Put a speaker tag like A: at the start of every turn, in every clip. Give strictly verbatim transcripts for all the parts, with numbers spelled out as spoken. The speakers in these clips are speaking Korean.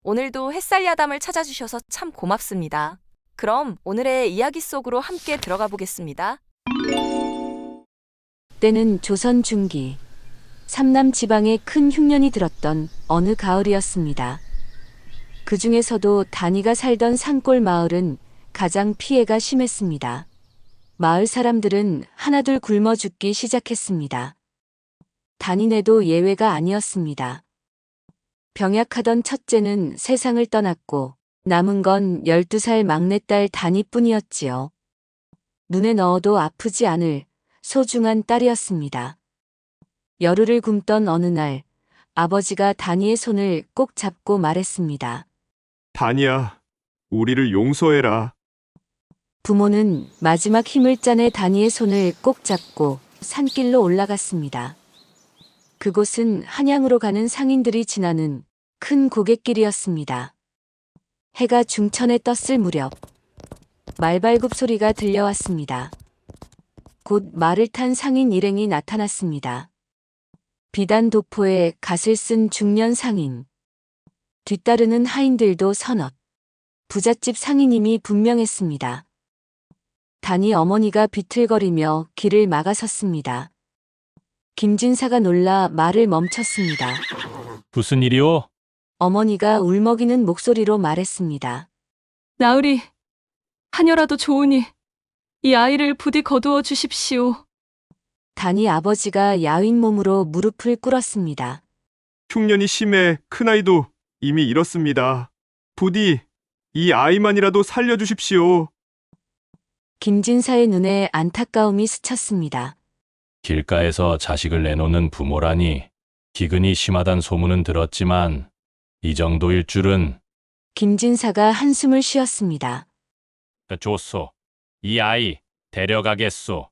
A: 오늘도 햇살 야담을 찾아주셔서 참 고맙습니다. 그럼 오늘의 이야기 속으로 함께 들어가 보겠습니다.
B: 때는 조선 중기 삼남 지방에 큰 흉년이 들었던 어느 가을이었습니다. 그 중에서도 단이가 살던 산골 마을은 가장 피해가 심했습니다. 마을 사람들은 하나둘 굶어 죽기 시작했습니다. 단이네도 예외가 아니었습니다. 병약하던 첫째는 세상을 떠났고 남은 건 열두 살 막내딸 단이뿐이었지요. 눈에 넣어도 아프지 않을 소중한 딸이었습니다. 열흘을 굶던 어느 날 아버지가 단이의 손을 꼭 잡고 말했습니다.
C: 단이야, 우리를 용서해라.
B: 부모는 마지막 힘을 짜내 단이의 손을 꼭 잡고 산길로 올라갔습니다. 그곳은 한양으로 가는 상인들이 지나는 큰 고갯길이었습니다. 해가 중천에 떴을 무렵 말발굽 소리가 들려왔습니다. 곧 말을 탄 상인 일행이 나타났습니다. 비단 도포에 갓을 쓴 중년 상인, 뒤따르는 하인들도 서넛, 부잣집 상인임이 분명했습니다. 단이 어머니가 비틀거리며 길을 막아섰습니다. 김진사가 놀라 말을 멈췄습니다.
D: 무슨 일이오?
B: 어머니가 울먹이는 목소리로 말했습니다.
E: 나으리, 하녀라도 좋으니 이 아이를 부디 거두어 주십시오.
B: 단이 아버지가 야윈 몸으로 무릎을 꿇었습니다.
C: 흉년이 심해 큰아이도 이미 잃었습니다. 부디 이 아이만이라도 살려주십시오.
B: 김진사의 눈에 안타까움이 스쳤습니다.
D: 길가에서 자식을 내놓는 부모라니 기근이 심하단 소문은 들었지만 이 정도일 줄은.
B: 김진사가 한숨을 쉬었습니다.
D: 좋소. 이 아이 데려가겠소.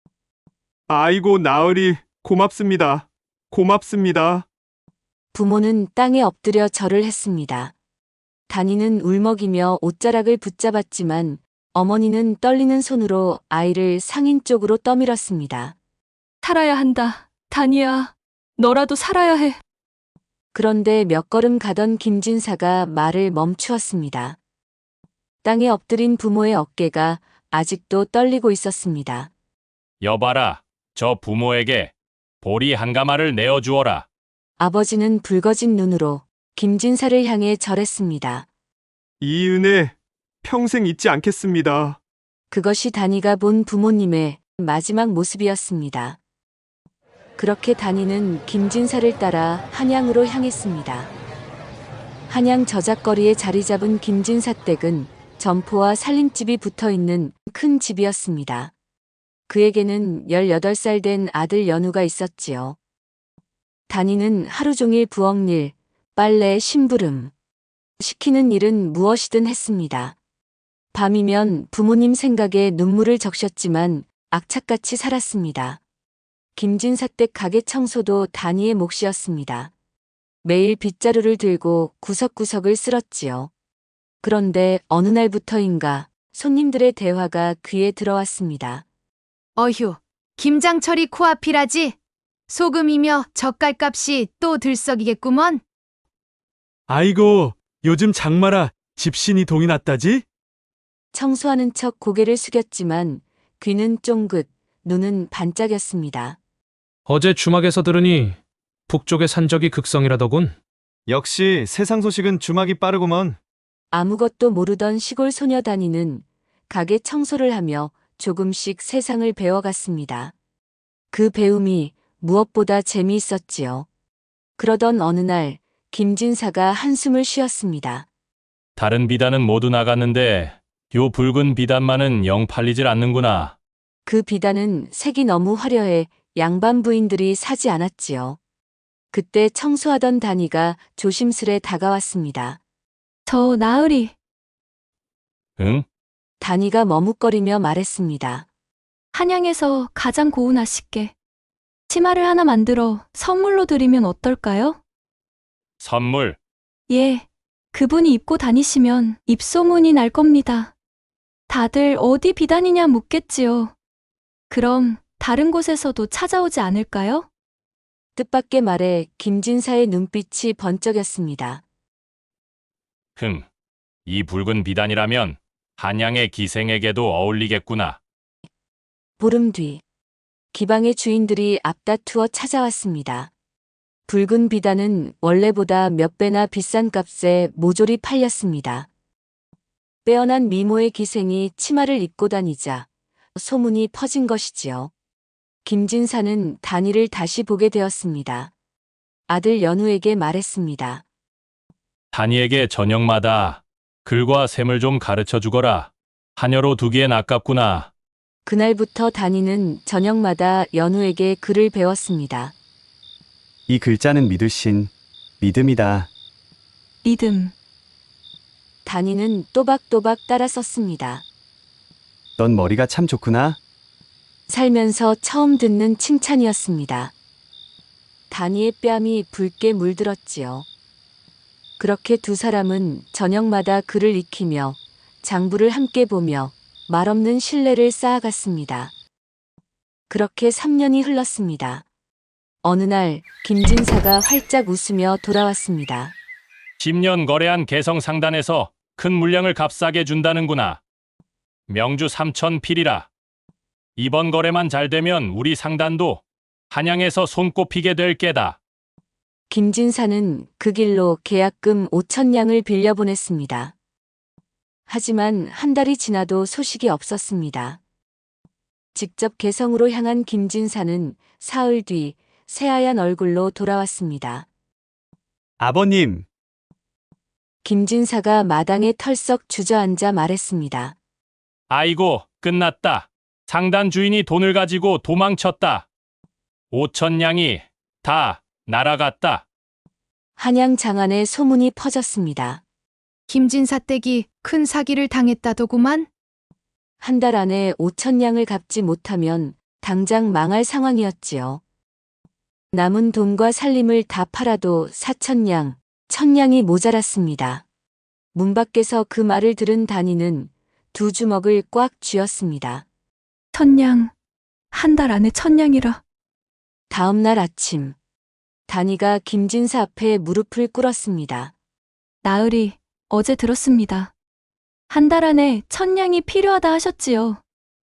C: 아이고 나으리 고맙습니다. 고맙습니다.
B: 부모는 땅에 엎드려 절을 했습니다. 단이는 울먹이며 옷자락을 붙잡았지만 어머니는 떨리는 손으로 아이를 상인 쪽으로 떠밀었습니다.
E: 살아야 한다. 단이야, 너라도 살아야 해.
B: 그런데 몇 걸음 가던 김진사가 말을 멈추었습니다. 땅에 엎드린 부모의 어깨가 아직도 떨리고 있었습니다.
D: 여봐라, 저 부모에게 보리 한 가마를 내어주어라.
B: 아버지는 붉어진 눈으로 김진사를 향해 절했습니다.
C: 이 은혜 평생 잊지 않겠습니다.
B: 그것이 단이가 본 부모님의 마지막 모습이었습니다. 그렇게 단이는 김진사를 따라 한양으로 향했습니다. 한양 저작거리에 자리 잡은 김진사 댁은 점포와 살림집이 붙어 있는 큰 집이었습니다. 그에게는 열여덟 살 된 아들 연우가 있었지요. 단이는 하루 종일 부엌일, 빨래, 심부름, 시키는 일은 무엇이든 했습니다. 밤이면 부모님 생각에 눈물을 적셨지만 악착같이 살았습니다. 김진사 댁 가게 청소도 단이의 몫이었습니다. 매일 빗자루를 들고 구석구석을 쓸었지요. 그런데 어느 날부터인가 손님들의 대화가 귀에 들어왔습니다.
F: 어휴, 김장철이 코앞이라지? 소금이며 젓갈값이 또 들썩이겠구먼.
G: 아이고, 요즘 장마라 집신이 동이 났다지?
B: 청소하는 척 고개를 숙였지만 귀는 쫑긋, 눈은 반짝였습니다.
H: 어제 주막에서 들으니 북쪽의 산적이 극성이라더군.
G: 역시 세상 소식은 주막이 빠르구먼.
B: 아무것도 모르던 시골 소녀 단이는 가게 청소를 하며 조금씩 세상을 배워갔습니다. 그 배움이 무엇보다 재미있었지요. 그러던 어느 날 김진사가 한숨을 쉬었습니다.
D: 다른 비단은 모두 나갔는데 요 붉은 비단만은 영 팔리질 않는구나.
B: 그 비단은 색이 너무 화려해 양반 부인들이 사지 않았지요. 그때 청소하던 단이가 조심스레 다가왔습니다.
E: 저 나으리,
D: 응?
B: 단이가 머뭇거리며 말했습니다.
E: 한양에서 가장 고운 아씨께 치마를 하나 만들어 선물로 드리면 어떨까요?
D: 선물.
E: 예, 그분이 입고 다니시면 입소문이 날 겁니다. 다들 어디 비단이냐 묻겠지요. 그럼 다른 곳에서도 찾아오지 않을까요?
B: 뜻밖의 말에 김진사의 눈빛이 번쩍였습니다.
D: 흥, 이 붉은 비단이라면 한양의 기생에게도 어울리겠구나.
B: 보름 뒤 기방의 주인들이 앞다투어 찾아왔습니다. 붉은 비단은 원래보다 몇 배나 비싼 값에 모조리 팔렸습니다. 빼어난 미모의 기생이 치마를 입고 다니자 소문이 퍼진 것이지요. 김진사는 단이를 다시 보게 되었습니다. 아들 연우에게 말했습니다.
D: 단이에게 저녁마다 글과 셈을 좀 가르쳐 주거라. 하녀로 두기엔 아깝구나.
B: 그날부터 단이는 저녁마다 연우에게 글을 배웠습니다.
I: 이 글자는 믿으신 믿음이다.
E: 믿음.
B: 단이는 또박또박 따라 썼습니다.
I: 넌 머리가 참 좋구나.
B: 살면서 처음 듣는 칭찬이었습니다. 단이의 뺨이 붉게 물들었지요. 그렇게 두 사람은 저녁마다 글을 익히며 장부를 함께 보며 말없는 신뢰를 쌓아갔습니다. 그렇게 삼 년이 흘렀습니다. 어느 날 김진사가 활짝 웃으며 돌아왔습니다.
D: 십 년 거래한 개성상단에서 큰 물량을 값싸게 준다는구나. 명주 삼천 필이라. 이번 거래만 잘 되면 우리 상단도 한양에서 손꼽히게 될 게다.
B: 김진사는 그 길로 계약금 오천 냥을 빌려보냈습니다. 하지만 한 달이 지나도 소식이 없었습니다. 직접 개성으로 향한 김진사는 사흘 뒤 새하얀 얼굴로 돌아왔습니다.
I: 아버님,
B: 김진사가 마당에 털썩 주저앉아 말했습니다.
D: 아이고, 끝났다. 상단 주인이 돈을 가지고 도망쳤다. 오천 냥이 다 날아갔다.
B: 한양 장안에 소문이 퍼졌습니다.
F: 김진사 댁이 큰 사기를 당했다더구만.
B: 한 달 안에 오천 냥을 갚지 못하면 당장 망할 상황이었지요. 남은 돈과 살림을 다 팔아도 사천 냥, 천 냥이 모자랐습니다. 문 밖에서 그 말을 들은 단이는 두 주먹을 꽉 쥐었습니다.
E: 천냥. 한 달 안에 천냥이라.
B: 다음 날 아침, 단이가 김진사 앞에 무릎을 꿇었습니다.
E: 나으리, 어제 들었습니다. 한 달 안에 천냥이 필요하다 하셨지요.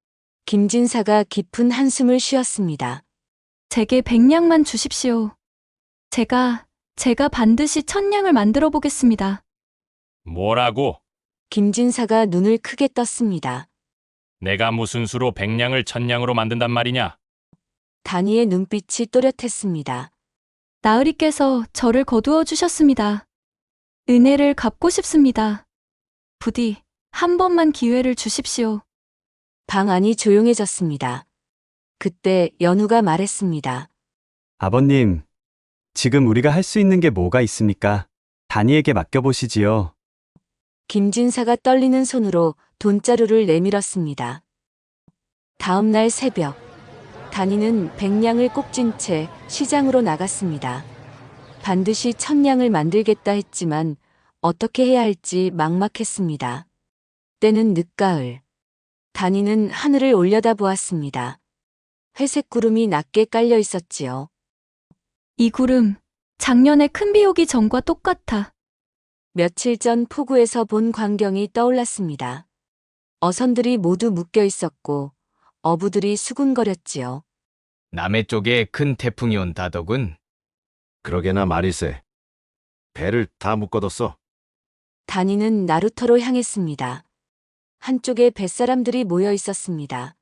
B: 김진사가 깊은 한숨을 쉬었습니다.
E: 제게 백냥만 주십시오. 제가, 제가 반드시 천냥을 만들어 보겠습니다.
D: 뭐라고?
B: 김진사가 눈을 크게 떴습니다.
D: 내가 무슨 수로 백냥을 천냥으로 만든단 말이냐?
B: 단이의 눈빛이 또렷했습니다.
E: 나으리께서 저를 거두어 주셨습니다. 은혜를 갚고 싶습니다. 부디 한 번만 기회를 주십시오.
B: 방 안이 조용해졌습니다. 그때 연우가 말했습니다.
I: 아버님, 지금 우리가 할 수 있는 게 뭐가 있습니까? 단이에게 맡겨보시지요.
B: 김진사가 떨리는 손으로 돈자루를 내밀었습니다. 다음 날 새벽, 단이는 백냥을 꼭 쥔 채 시장으로 나갔습니다. 반드시 천냥을 만들겠다 했지만 어떻게 해야 할지 막막했습니다. 때는 늦가을. 단이는 하늘을 올려다보았습니다. 회색 구름이 낮게 깔려 있었지요.
E: 이 구름, 작년에 큰 비 오기 전과 똑같아.
B: 며칠 전 포구에서 본 광경이 떠올랐습니다. 어선들이 모두 묶여 있었고 어부들이 수군거렸지요.
J: 남해 쪽에 큰 태풍이 온다더군.
K: 그러게나 말이세. 배를 다 묶어뒀어.
B: 단이는 나루터로 향했습니다. 한쪽에 뱃사람들이 모여 있었습니다.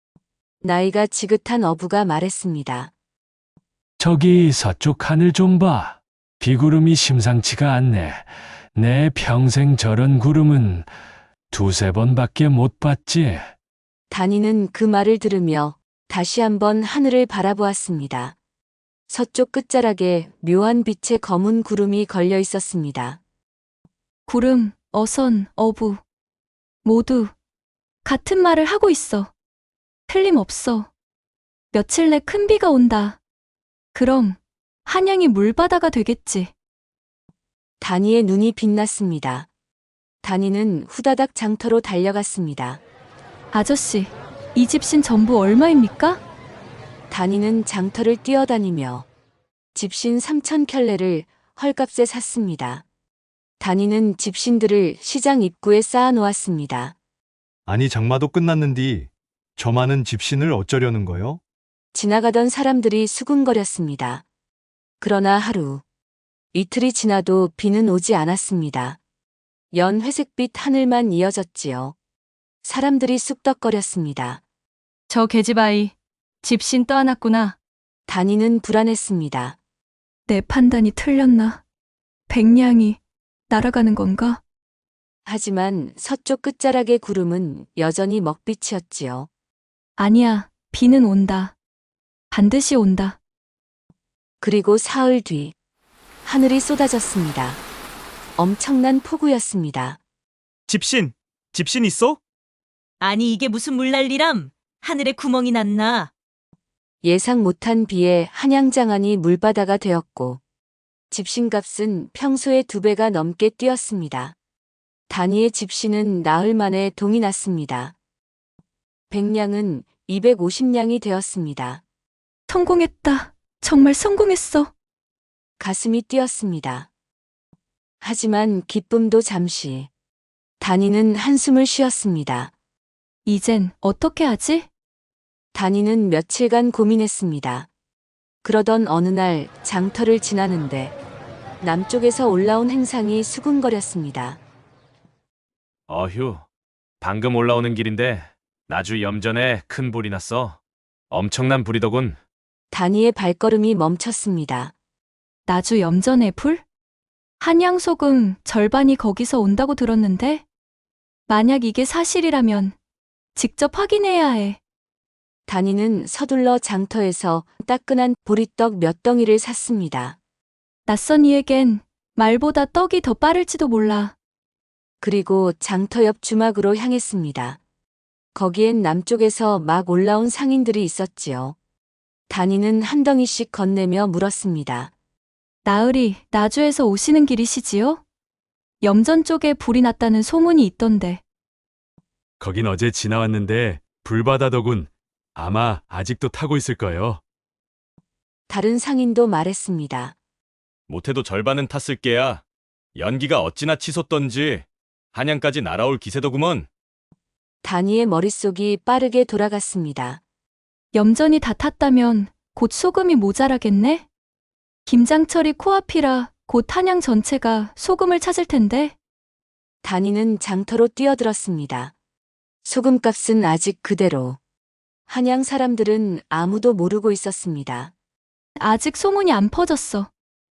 B: 나이가 지긋한 어부가 말했습니다.
L: 저기 서쪽 하늘 좀 봐. 비구름이 심상치가 않네. 내 평생 저런 구름은 두세 번밖에 못 봤지.
B: 단이는 그 말을 들으며 다시 한번 하늘을 바라보았습니다. 서쪽 끝자락에 묘한 빛의 검은 구름이 걸려 있었습니다.
E: 구름, 어선, 어부. 모두 같은 말을 하고 있어. 틀림없어. 며칠 내 큰 비가 온다. 그럼 한양이 물바다가 되겠지.
B: 단이의 눈이 빛났습니다. 단이는 후다닥 장터로 달려갔습니다.
E: 아저씨, 이 집신 전부 얼마입니까?
B: 단이는 장터를 뛰어다니며 집신 삼천 켤레를 헐값에 샀습니다. 단위는 집신들을 시장 입구에 쌓아 놓았습니다.
G: 아니 장마도 끝났는디 저 많은 집신을 어쩌려는 거요?
B: 지나가던 사람들이 수군거렸습니다. 그러나 하루, 이틀이 지나도 비는 오지 않았습니다. 연 회색빛 하늘만 이어졌지요. 사람들이 쑥덕거렸습니다.
E: 저 계집아이, 집신 떠안았구나.
B: 단위는 불안했습니다.
E: 내 판단이 틀렸나? 백냥이 날아가는 건가?
B: 하지만 서쪽 끝자락의 구름은 여전히 먹빛이었지요.
E: 아니야, 비는 온다. 반드시 온다.
B: 그리고 사흘 뒤, 하늘이 쏟아졌습니다. 엄청난 폭우였습니다.
C: 집신, 집신 있어?
M: 아니 이게 무슨 물난리람? 하늘에 구멍이 났나?
B: 예상 못한 비에 한양장안이 물바다가 되었고, 집신값은 평소의 두 배가 넘게 뛰었습니다. 단위의 집신은 나흘 만에 동이 났습니다. 백냥은 이백오십 냥이 되었습니다.
E: 성공했다. 정말 성공했어.
B: 가슴이 뛰었습니다. 하지만 기쁨도 잠시. 단위는 한숨을 쉬었습니다.
E: 이젠 어떻게 하지?
B: 단위는 며칠간 고민했습니다. 그러던 어느 날 장터를 지나는데 남쪽에서 올라온 행상이 수군거렸습니다.
D: 어휴, 방금 올라오는 길인데 나주 염전에 큰 불이 났어. 엄청난 불이더군.
B: 단위의 발걸음이 멈췄습니다.
E: 나주 염전의 불? 한양 소금 절반이 거기서 온다고 들었는데? 만약 이게 사실이라면 직접 확인해야 해.
B: 단위는 서둘러 장터에서 따끈한 보리떡 몇 덩이를 샀습니다.
E: 낯선 이에겐 말보다 떡이 더 빠를지도 몰라.
B: 그리고 장터 옆 주막으로 향했습니다. 거기엔 남쪽에서 막 올라온 상인들이 있었지요. 단위는 한 덩이씩 건네며 물었습니다.
E: 나으리, 나주에서 오시는 길이시지요? 염전 쪽에 불이 났다는 소문이 있던데.
G: 거긴 어제 지나왔는데 불바다더군. 아마 아직도 타고 있을 거예요.
B: 다른 상인도 말했습니다.
D: 못해도 절반은 탔을 게야. 연기가 어찌나 치솟던지 한양까지 날아올 기세더구먼.
B: 단위의 머릿속이 빠르게 돌아갔습니다.
E: 염전이 다 탔다면 곧 소금이 모자라겠네? 김장철이 코앞이라 곧 한양 전체가 소금을 찾을 텐데.
B: 단위는 장터로 뛰어들었습니다. 소금값은 아직 그대로. 한양 사람들은 아무도 모르고 있었습니다.
E: 아직 소문이 안 퍼졌어.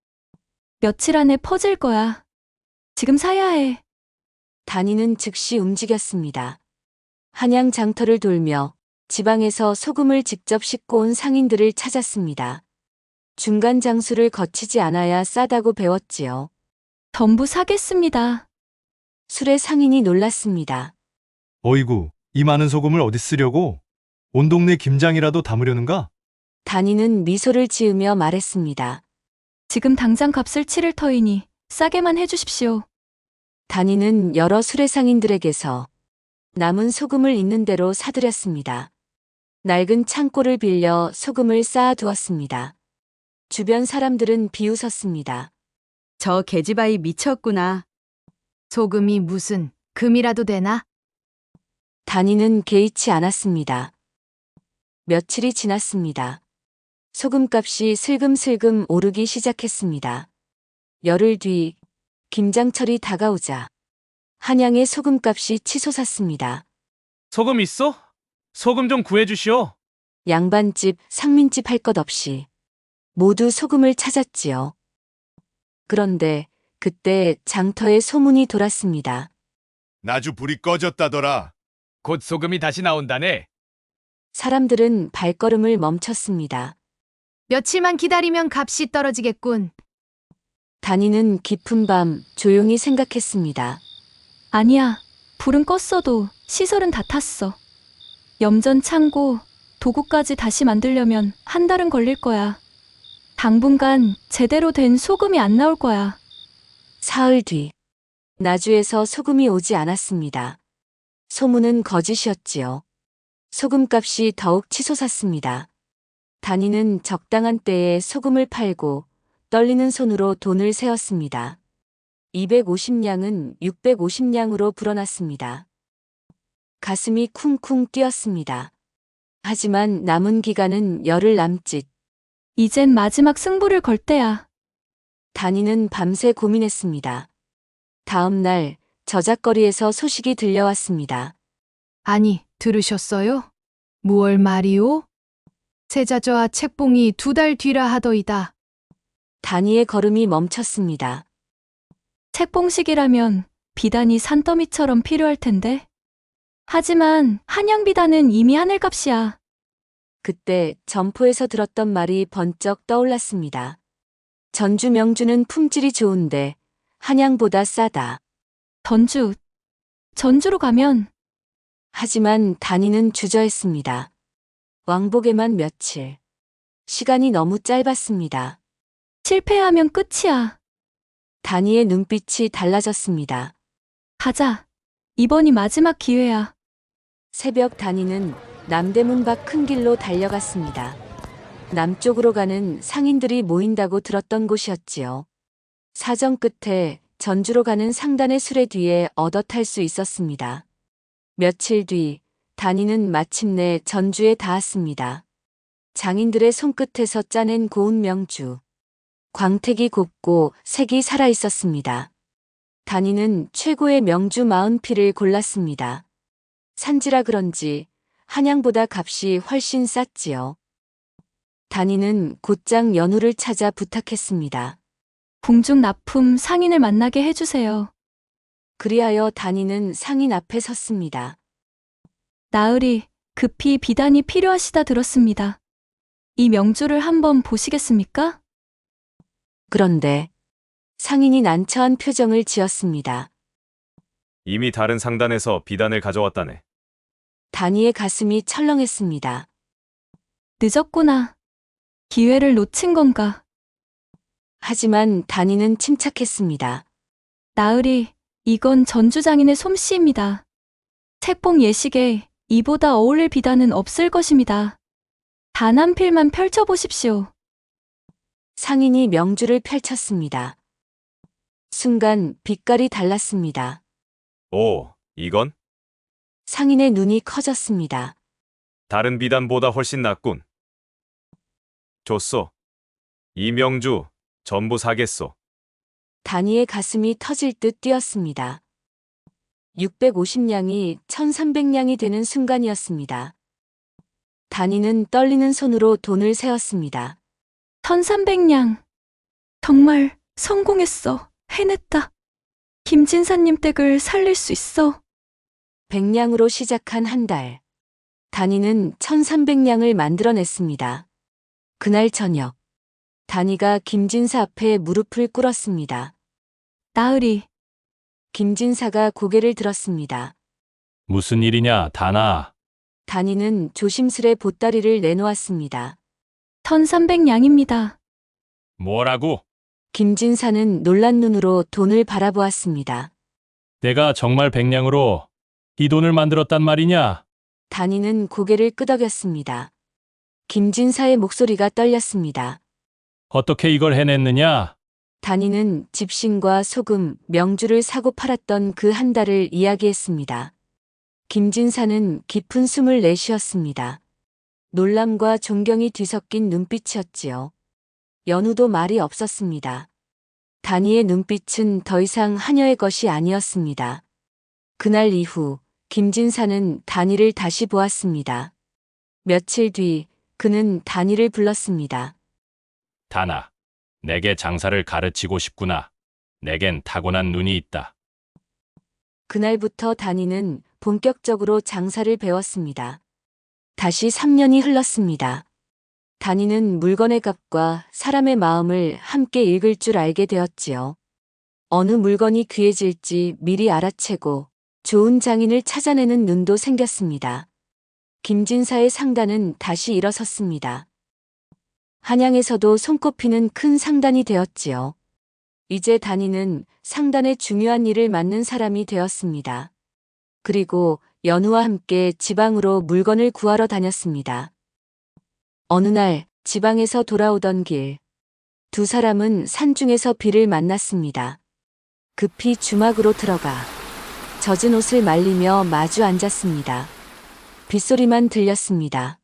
E: 며칠 안에 퍼질 거야. 지금 사야 해.
B: 단위는 즉시 움직였습니다. 한양 장터를 돌며 지방에서 소금을 직접 싣고 온 상인들을 찾았습니다. 중간 장수를 거치지 않아야 싸다고 배웠지요.
E: 전부 사겠습니다.
B: 술의 상인이 놀랐습니다.
G: 어이구, 이 많은 소금을 어디 쓰려고? 온 동네 김장이라도 담으려는가?
B: 단위는 미소를 지으며 말했습니다.
E: 지금 당장 값을 치를 터이니 싸게만 해주십시오.
B: 단위는 여러 수레상인들에게서 남은 소금을 있는 대로 사들였습니다. 낡은 창고를 빌려 소금을 쌓아두었습니다. 주변 사람들은 비웃었습니다.
M: 저 계집아이 미쳤구나.
F: 소금이 무슨 금이라도 되나?
B: 단위는 개의치 않았습니다. 며칠이 지났습니다. 소금값이 슬금슬금 오르기 시작했습니다. 열흘 뒤 김장철이 다가오자 한양의 소금값이 치솟았습니다.
D: 소금 있어? 소금 좀 구해주시오.
B: 양반집, 상민집 할 것 없이 모두 소금을 찾았지요. 그런데 그때 장터에 소문이 돌았습니다.
K: 나주 불이 꺼졌다더라.
J: 곧 소금이 다시 나온다네.
B: 사람들은 발걸음을 멈췄습니다.
F: 며칠만 기다리면 값이 떨어지겠군.
B: 단위는 깊은 밤 조용히 생각했습니다.
E: 아니야. 불은 껐어도 시설은 다 탔어. 염전 창고, 도구까지 다시 만들려면 한 달은 걸릴 거야. 당분간 제대로 된 소금이 안 나올 거야.
B: 사흘 뒤 나주에서 소금이 오지 않았습니다. 소문은 거짓이었지요. 소금값이 더욱 치솟았습니다. 단위는 적당한 때에 소금을 팔고 떨리는 손으로 돈을 세었습니다. 이백오십 냥은 육백오십 냥으로 불어났습니다. 가슴이 쿵쿵 뛰었습니다. 하지만 남은 기간은 열흘 남짓.
E: 이젠 마지막 승부를 걸 때야.
B: 단이는 밤새 고민했습니다. 다음 날 저작거리에서 소식이 들려왔습니다.
F: 아니, 들으셨어요? 무얼 말이오? 세자저와 책봉이 두 달 뒤라 하더이다.
B: 단이의 걸음이 멈췄습니다.
E: 책봉식이라면 비단이 산더미처럼 필요할 텐데. 하지만 한양 비단은 이미 하늘값이야.
B: 그때 점포에서 들었던 말이 번쩍 떠올랐습니다. 전주 명주는 품질이 좋은데 한양보다 싸다.
E: 전주. 전주로 가면
B: 하지만 단이는 주저했습니다. 왕복에만 며칠. 시간이 너무 짧았습니다.
E: 실패하면 끝이야.
B: 단이의 눈빛이 달라졌습니다.
E: 가자. 이번이 마지막 기회야.
B: 새벽 단이는 남대문 밖 큰 길로 달려갔습니다. 남쪽으로 가는 상인들이 모인다고 들었던 곳이었지요. 사정 끝에 전주로 가는 상단의 수레 뒤에 얻어 탈 수 있었습니다. 며칠 뒤 단이는 마침내 전주에 닿았습니다. 장인들의 손끝에서 짜낸 고운 명주. 광택이 곱고 색이 살아있었습니다. 단이는 최고의 명주 마흔 피를 골랐습니다. 산지라 그런지 한양보다 값이 훨씬 쌌지요. 단이는 곧장 연우를 찾아 부탁했습니다.
E: 궁중 납품 상인을 만나게 해주세요.
B: 그리하여 단이는 상인 앞에 섰습니다.
E: 나으리, 급히 비단이 필요하시다 들었습니다. 이 명주를 한번 보시겠습니까?
B: 그런데 상인이 난처한 표정을 지었습니다.
N: 이미 다른 상단에서 비단을 가져왔다네.
B: 단이의 가슴이 철렁했습니다.
E: 늦었구나. 기회를 놓친 건가?
B: 하지만 단이는 침착했습니다.
E: 나으리, 이건 전주장인의 솜씨입니다. 책봉 예식에 이보다 어울릴 비단은 없을 것입니다. 단 한 필만 펼쳐보십시오.
B: 상인이 명주를 펼쳤습니다. 순간 빛깔이 달랐습니다.
N: 오, 이건?
B: 상인의 눈이 커졌습니다.
N: 다른 비단보다 훨씬 낫군. 좋소. 이 명주 전부 사겠소.
B: 단이의 가슴이 터질 듯 뛰었습니다. 육백오십 냥이 천삼백 냥이 되는 순간이었습니다. 단이는 떨리는 손으로 돈을 세었습니다.
E: 천삼백 냥. 정말 성공했어. 해냈다. 김진사님 댁을 살릴 수 있어.
B: 백 냥으로 시작한 한 달. 단이는 천삼백 냥을 만들어냈습니다. 그날 저녁. 단이가 김진사 앞에 무릎을 꿇었습니다.
E: 나으리.
B: 김진사가 고개를 들었습니다.
D: 무슨 일이냐, 다나.
B: 단이는 조심스레 보따리를 내놓았습니다.
E: 천삼백 냥입니다.
D: 뭐라고?
B: 김진사는 놀란 눈으로 돈을 바라보았습니다.
D: 내가 정말 백냥으로 이 돈을 만들었단 말이냐?
B: 단이는 고개를 끄덕였습니다. 김진사의 목소리가 떨렸습니다.
D: 어떻게 이걸 해냈느냐?
B: 단이는 집신과 소금, 명주를 사고 팔았던 그 한 달을 이야기했습니다. 김진사는 깊은 숨을 내쉬었습니다. 놀람과 존경이 뒤섞인 눈빛이었지요. 연우도 말이 없었습니다. 단이의 눈빛은 더 이상 하녀의 것이 아니었습니다. 그날 이후 김진사는 단이를 다시 보았습니다. 며칠 뒤 그는 단이를 불렀습니다.
D: 다나, 내게 장사를 가르치고 싶구나. 내겐 타고난 눈이 있다.
B: 그날부터 단이는 본격적으로 장사를 배웠습니다. 다시 삼 년이 흘렀습니다. 단이는 물건의 값과 사람의 마음을 함께 읽을 줄 알게 되었지요. 어느 물건이 귀해질지 미리 알아채고 좋은 장인을 찾아내는 눈도 생겼습니다. 김진사의 상단은 다시 일어섰습니다. 한양에서도 손꼽히는 큰 상단이 되었지요. 이제 단이는 상단의 중요한 일을 맡는 사람이 되었습니다. 그리고 연우와 함께 지방으로 물건을 구하러 다녔습니다. 어느 날 지방에서 돌아오던 길, 두 사람은 산중에서 비를 만났습니다. 급히 주막으로 들어가 젖은 옷을 말리며 마주 앉았습니다. 빗소리만 들렸습니다.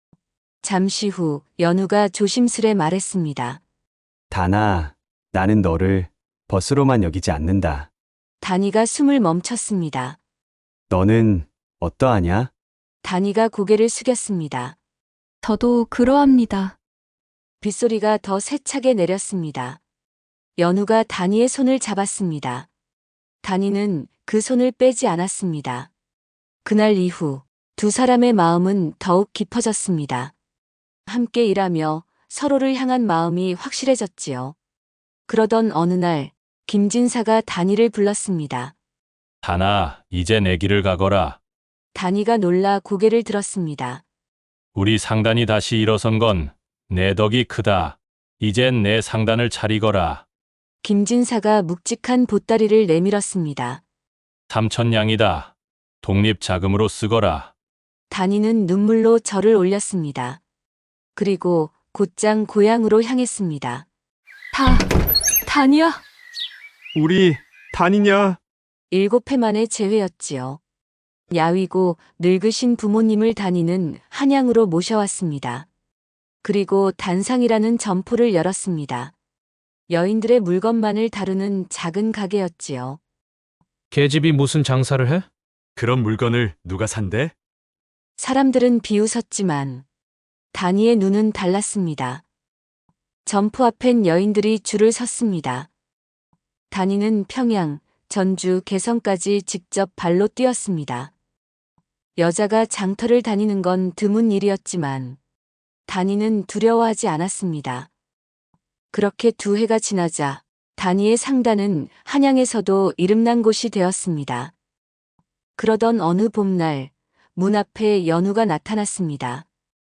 B: 잠시 후 연우가 조심스레 말했습니다.
I: 다나, 나는 너를 벗으로만 여기지 않는다.
B: 단이가 숨을 멈췄습니다.
I: 너는 어떠하냐?
B: 단이가 고개를 숙였습니다.
E: 저도 그러합니다.
B: 빗소리가 더 세차게 내렸습니다. 연우가 단이의 손을 잡았습니다. 단이는 그 손을 빼지 않았습니다. 그날 이후 두 사람의 마음은 더욱 깊어졌습니다. 함께 일하며 서로를 향한 마음이 확실해졌지요. 그러던 어느 날 김진사가 단이를 불렀습니다.
D: 단아, 이제 내 길을 가거라.
B: 단이가 놀라 고개를 들었습니다.
D: 우리 상단이 다시 일어선 건 내 덕이 크다. 이젠 내 상단을 차리거라.
B: 김진사가 묵직한 보따리를 내밀었습니다.
D: 삼천냥이다. 독립 자금으로 쓰거라.
B: 단이는 눈물로 절을 올렸습니다. 그리고 곧장 고향으로 향했습니다.
E: 다, 단이야.
C: 우리 단이냐?
B: 일곱 해 만의 재회였지요. 야위고 늙으신 부모님을 단이는 한양으로 모셔왔습니다. 그리고 단상이라는 점포를 열었습니다. 여인들의 물건만을 다루는 작은 가게였지요.
H: 계집이 무슨 장사를 해?
G: 그런 물건을 누가 산대?
B: 사람들은 비웃었지만 단이의 눈은 달랐습니다. 점포 앞엔 여인들이 줄을 섰습니다. 단이는 평양, 전주, 개성까지 직접 발로 뛰었습니다. 여자가 장터를 다니는 건 드문 일이었지만 단이는 두려워하지 않았습니다. 그렇게 두 해가 지나자 단이의 상단은 한양에서도 이름난 곳이 되었습니다. 그러던 어느 봄날 문 앞에 연우가 나타났습니다.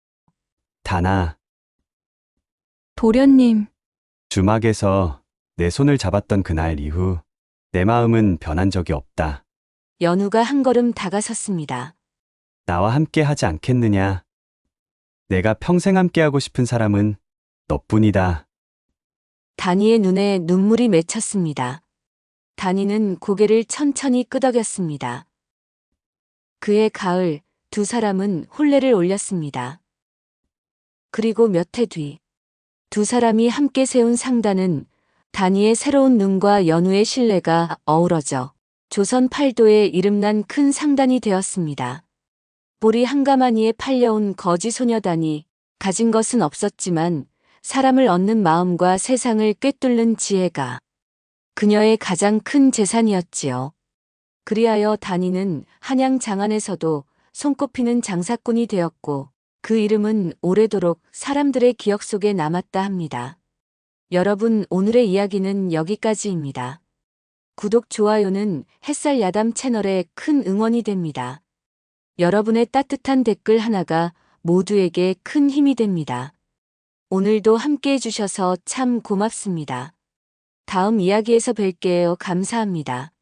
I: 다나,
E: 도련님,
I: 주막에서 내 손을 잡았던 그날 이후 내 마음은 변한 적이 없다.
B: 연우가 한 걸음 다가섰습니다.
I: 나와 함께 하지 않겠느냐? 내가 평생 함께하고 싶은 사람은 너뿐이다.
B: 단이의 눈에 눈물이 맺혔습니다. 단이는 고개를 천천히 끄덕였습니다. 그해 가을 두 사람은 혼례를 올렸습니다. 그리고 몇 해 뒤 두 사람이 함께 세운 상단은 단이의 새로운 눈과 연우의 신뢰가 어우러져 조선 팔도에 이름난 큰 상단이 되었습니다. 보리 한가마니에 팔려온 거지 소녀단이 가진 것은 없었지만 사람을 얻는 마음과 세상을 꿰뚫는 지혜가 그녀의 가장 큰 재산이었지요. 그리하여 단이는 한양 장안에서도 손꼽히는 장사꾼이 되었고 그 이름은 오래도록 사람들의 기억 속에 남았다 합니다. 여러분, 오늘의 이야기는 여기까지입니다. 구독, 좋아요는 햇살 야담 채널에 큰 응원이 됩니다. 여러분의 따뜻한 댓글 하나가 모두에게 큰 힘이 됩니다. 오늘도 함께 해주셔서 참 고맙습니다. 다음 이야기에서 뵐게요. 감사합니다.